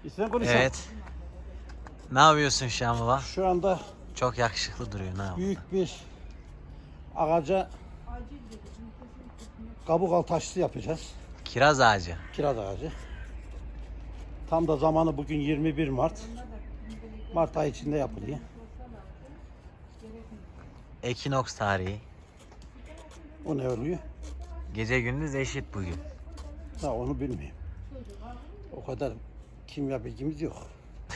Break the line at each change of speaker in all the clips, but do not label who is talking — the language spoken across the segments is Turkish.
İstersen konuşalım.
Evet. Ne yapıyorsun Şamova?
Şu anda
Çok yakışıklı duruyor. Ne yapıyorsun?
büyük bir ağaca kabuk altı aşısı yapacağız.
Kiraz ağacı.
Kiraz ağacı. Tam da zamanı bugün 21 Mart. Mart ayı içinde yapılıyor.
Ekinoks tarihi.
O ne oluyor?
Gece gündüz eşit bugün.
Ha, onu bilmiyorum. O kadar kimya bilgimiz yok.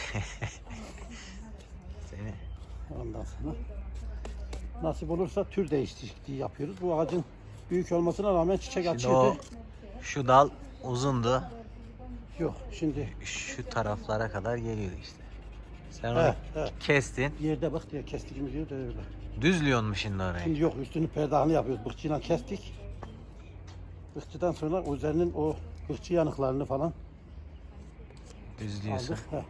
Seni.
Ondan sonra nasip olursa tür değişikliği yapıyoruz. Bu ağacın büyük olmasına rağmen çiçek
Şimdi
açıyordu.
o şu dal uzundu.
Yok şimdi
Şu taraflara kadar geliyor işte. Sen onu
he, he.
kestin.
Yerde bak diye kestiğimiz yerde öyle.
Düzlüyorsun mu şimdi orayı?
Şimdi yok, üstünü perdahını yapıyoruz. Bıkçıyla kestik. Bıkçıdan sonra üzerinin o bıkçı yanıklarını falan
Düzlüyorsun.
aldık. He.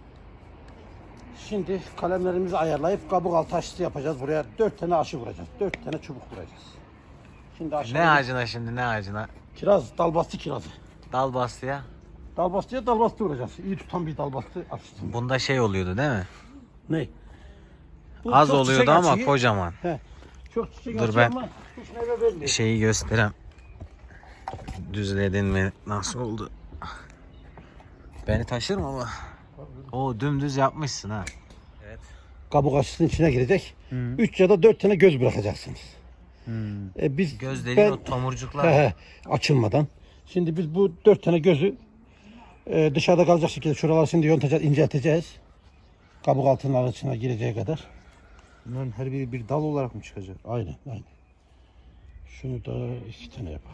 Şimdi kalemlerimizi ayarlayıp kabuk altı aşısı yapacağız. Buraya 4 tane aşı vuracağız. 4 tane çubuk vuracağız. Şimdi aşağıya
Ne ağacına şimdi, ne ağacına?
kiraz, dalbastı kirazı.
Dal bastıya.
Dalbastıya dalbastı vuracağız. İyi tutan bir dalbastı aşısı.
Bunda şey oluyordu değil mi?
Ne? Bu
Az
çok
oluyordu
çiçek
ama
açıyor.
kocaman.
He. Çok çiçek
Dur
açıyor
ben-
ama hiç meyve vermiyor.
Şeyi göstereyim. Düzledin mi? Nasıl oldu? Beni taşır mı ama? O dümdüz yapmışsın ha. Evet.
Kabuk aşısının içine girecek. 3 ya da 4 tane göz bırakacaksınız. Biz
Göz dediğin o tomurcuklar.
He, açılmadan. Şimdi biz bu 4 tane gözü dışarıda kalacak şekilde şuraları şimdi yontacağız, incelteceğiz. Kabuk altının içine gireceği kadar.
Bunların her biri bir dal olarak mı çıkacak?
Aynen, aynen. Şunu da 2 tane yap.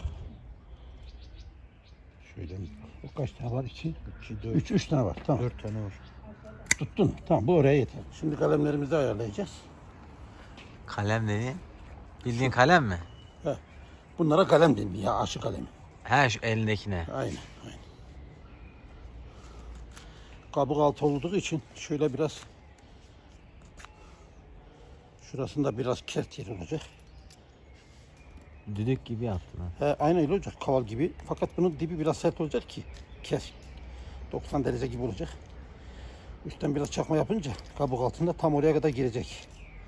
Şöyle o kaç tane var? 2, 3 tane var. Tamam.
4 tane var.
Tuttun. Tamam, bu oraya yeter. Şimdi kalemlerimizi ayarlayacağız.
Kalem dediğin. Bildiğin kalem mi?
Bunlara kalem deniyor ya, aşı kalemi.
He, şu elindekine.
Aynen, aynen. Kabuk altı olduğu için şöyle biraz şurasında biraz kert yer olacak.
Düdük gibi yaptın ha.
He, aynen öyle olacak, kaval gibi. Fakat bunun dibi biraz sert olacak ki kes. 90 derece gibi olacak. Üstten biraz çakma yapınca kabuk altında tam oraya kadar girecek.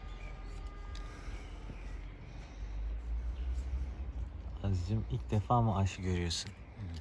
Aziz'cim ilk defa mı aşı görüyorsun? Evet.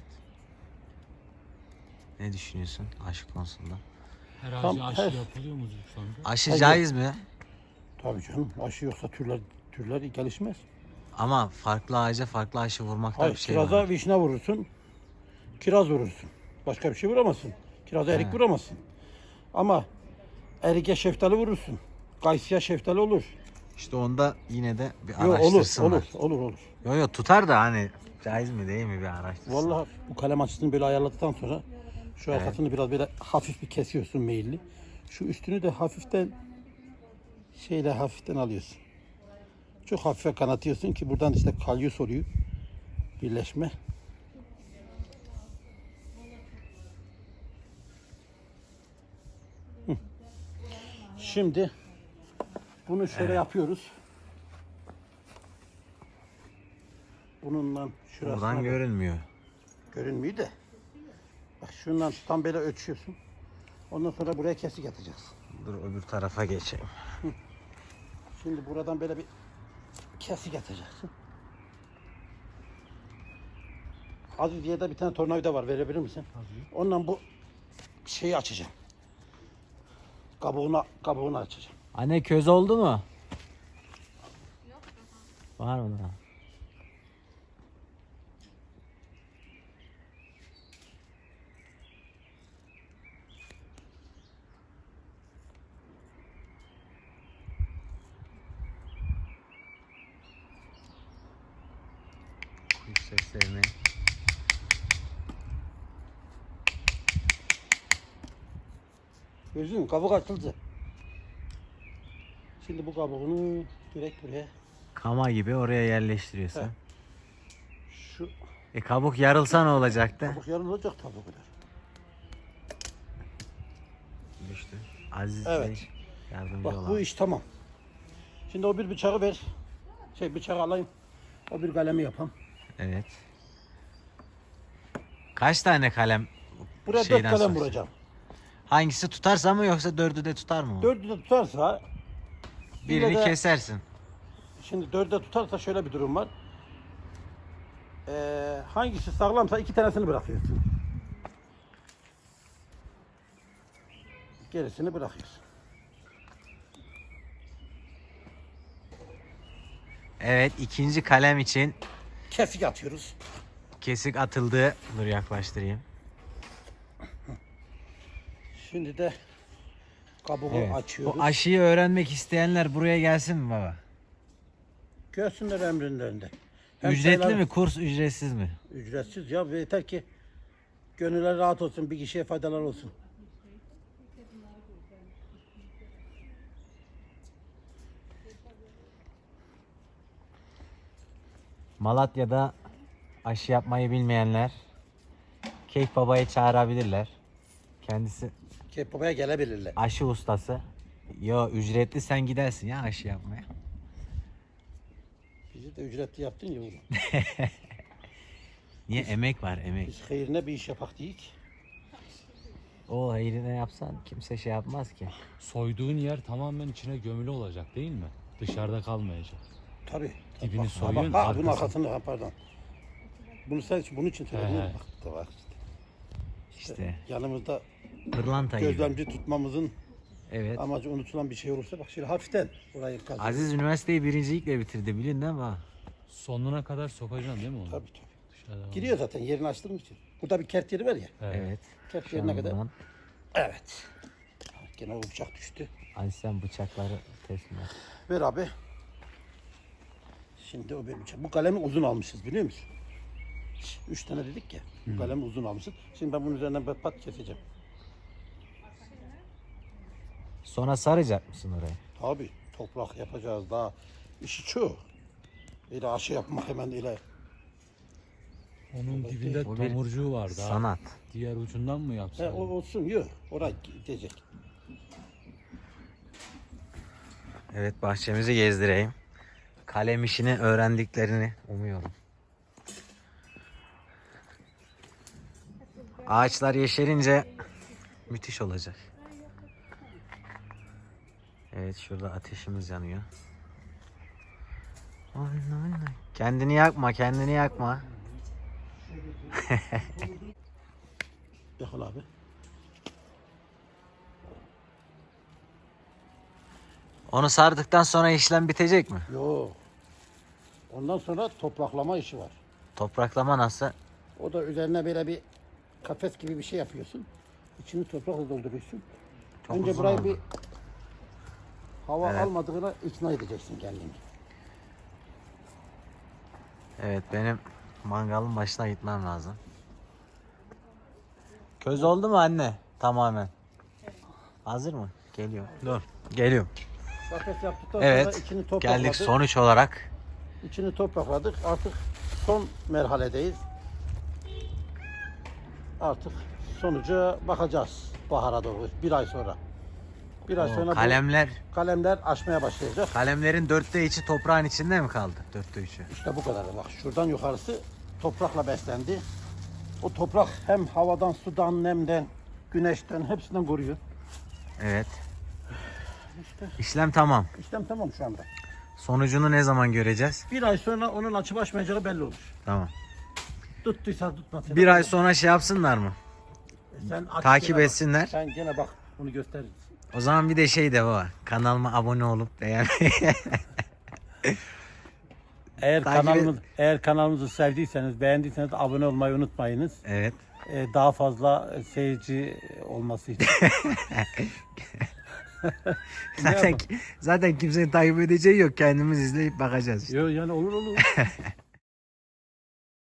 Ne düşünüyorsun aşı konusunda?
Her
Tam
ağaca aşı
her-
yapılıyor mu şu anda?
Aşı
Hayır.
caiz mi?
Tabii canım, aşı yoksa türler gelişmez.
Ama farklı ağaca farklı aşı vurmakta
Hayır,
bir şey
kiraza
var.
vişne vurursun, kiraz vurursun. Başka bir şey vuramazsın. Kiraza erik
He.
vuramazsın. Ama erike şeftali vurursun. Kayısıya şeftali olur.
İşte onda yine de bir
Yok, olur,
araştırsınlar.
olur.
Yo yo tutar da hani caiz mi değil mi bir araştırsın.
Vallahi bu kalem açısını böyle ayarladıktan sonra şu
Evet.
arkasını biraz böyle hafif bir kesiyorsun meyilli. Şu üstünü de hafiften hafiften alıyorsun. Çok hafife kanatıyorsun ki buradan işte kalyus oluyor. Birleşme. Hı. Şimdi bunu şöyle yapıyoruz. Bununla şurasına
Buradan görünmüyor.
görünmüyor da. Bak şundan tam böyle ölçüyorsun. Ondan sonra buraya kesik atacaksın.
Dur öbür tarafa geçeyim.
Şimdi buradan böyle bir kesik atacaksın. Aziz diye de bir tane tornavida var, verebilir misin? Tabii. Ondan bu şeyi açacağım. Kabuğunu açacağım.
Anne köz oldu mu? Yok. Var mı daha? Kuş seslerini.
Gözün kabuk açıldı. Şimdi bu kabuğunu direkt buraya
Kama gibi oraya yerleştiriyorsun.
He. şu
Kabuk yarılsa ne olacaktı?
kabuk yarılacak tabii bu kadar.
Düştü. Aziz
Evet.
Bey yardımcı
Bak
olan.
bu iş tamam. Şimdi o bir bıçağı ver. Bıçağı alayım. O bir kalemi yapalım.
Evet. Kaç tane kalem
Buraya 4
şeyden
kalem
sonra?
vuracağım.
Hangisi tutarsa mı yoksa dördü de tutar mı?
Dördü de tutarsa
Birini
yine de-
kesersin.
Şimdi dörde tutarsa şöyle bir durum var. Hangisi sağlamsa 2 tanesini bırakıyorsun. Gerisini bırakıyorsun.
Evet, ikinci kalem için
Kesik atıyoruz.
kesik atıldı. Dur yaklaştırayım.
Şimdi de kabuğu
Evet.
açıyoruz.
Bu aşıyı öğrenmek isteyenler buraya gelsin mi baba?
Görsünler emrinlerinde. Hem
Ücretli
sayılar-
mi? Kurs ücretsiz mi?
Ücretsiz ya. Ve yeter ki gönüller rahat olsun. Bir kişiye faydalar olsun.
Malatya'da aşı yapmayı bilmeyenler Keyif Baba'yı çağırabilirler. Kendisi
Kebabaya gelebilirler.
aşı ustası. Yo, ücretli, sen gidersin ya aşı yapmaya.
Bizi de ücretli yaptın ya oğlum.
Niye? Emek var, emek.
Biz hayrine bir iş yapak deyik.
O hayrına yapsan kimse şey yapmaz ki.
Soyduğun yer tamamen içine gömülü olacak değil mi? Dışarıda kalmayacak.
Tabii.
Dibini
Bak,
soyuyorsun,
Bak, bunun
arkasını-
arkasını pardon. Bunu sen bunun için söyledim.
He, he.
Bak, bak işte.
İşte
Yanımızda
pırlanta gibi.
gözlemci tutmamızın
Evet.
amacı unutulan bir şey olursa bak şöyle hafiften orayı kazıyor.
Aziz üniversiteyi birincilikle bitirdi, bilin değil mi? Ha?
Sonuna kadar sokacaksın değil mi onu?
Tabii tabii.
Dışarıda
Giriyor zaten yerini açtığım için. Burada bir kert yeri var ya.
Evet.
Evet.
Kert
Şu
yerine
an
kadar.
buradan
Evet. Gene o bıçak düştü.
Aziz sen bıçakları teslim et.
Ver abi. Şimdi o benim bıçak. Bu kalemi uzun almışız biliyor musun? 3 tane dedik ya. Bu kalemi uzun almışız. Şimdi ben bunun üzerinden pat pat keseceğim.
Sonra saracak mısın orayı?
Tabii toprak yapacağız daha. İşi çok. Öyle aşı yapmak hemen öyle.
Onun dibinde
O bir
tomurcuğu vardı. ha.
Sanat.
Diğer ucundan mı
He,
yapsaydın?
o olsun yok. Oraya gidecek.
Evet, bahçemizi gezdireyim. Kalem işini öğrendiklerini umuyorum. Ağaçlar yeşerince müthiş olacak. Evet, şurada ateşimiz yanıyor. Kendini yakma, kendini yakma.
Yakal abi.
Onu sardıktan sonra işlem bitecek mi?
Yok. Ondan sonra topraklama işi var.
Topraklama nasıl?
O da üzerine böyle bir kafes gibi bir şey yapıyorsun. İçini toprakla dolduruyorsun.
Çok
Önce
uzun
burayı
oldu.
bir hava
Evet.
almadığına ikna edeceksin kendini.
Evet, benim mangalın başına gitmem lazım. Köz oldu mu anne? Tamamen. Hazır mı? Geliyor. Dur. Geliyorum.
Kafes yaptıktan sonra
Evet.
içini toprakladık.
Geldik sonuç olarak.
İçini toprakladık. Artık son merhaledeyiz. Artık sonuca bakacağız bahara doğru. Bir ay sonra. Bir ay sonra bu
Kalemler,
kalemler açmaya başlayacak.
kalemlerin 3'ü toprağın içinde mi kaldı? 3'ü.
İşte bu kadar. Bak şuradan yukarısı toprakla beslendi. O toprak hem havadan, sudan, nemden, güneşten hepsinden koruyor.
Evet. İşlem tamam.
İşlem tamam şu anda.
Sonucunu ne zaman göreceğiz?
Bir ay sonra onun açıp açmayacağı belli olur.
Tamam.
Tuttuysa tutmasın.
Bir ay sonra şey yapsınlar mı?
Sen aç
Takip
gene bak.
etsinler.
Sen gene bak bunu gösteririz.
O zaman bir de şey de var. Kanalıma abone olup beğenmeyi.
Eğer
Takip
eğer kanalımızı sevdiyseniz, beğendiyseniz abone olmayı unutmayınız.
Evet.
Daha fazla seyirci olması için.
Zaten kimsenin takip edeceği yok. Kendimiz izleyip bakacağız işte.
Yok yani olur.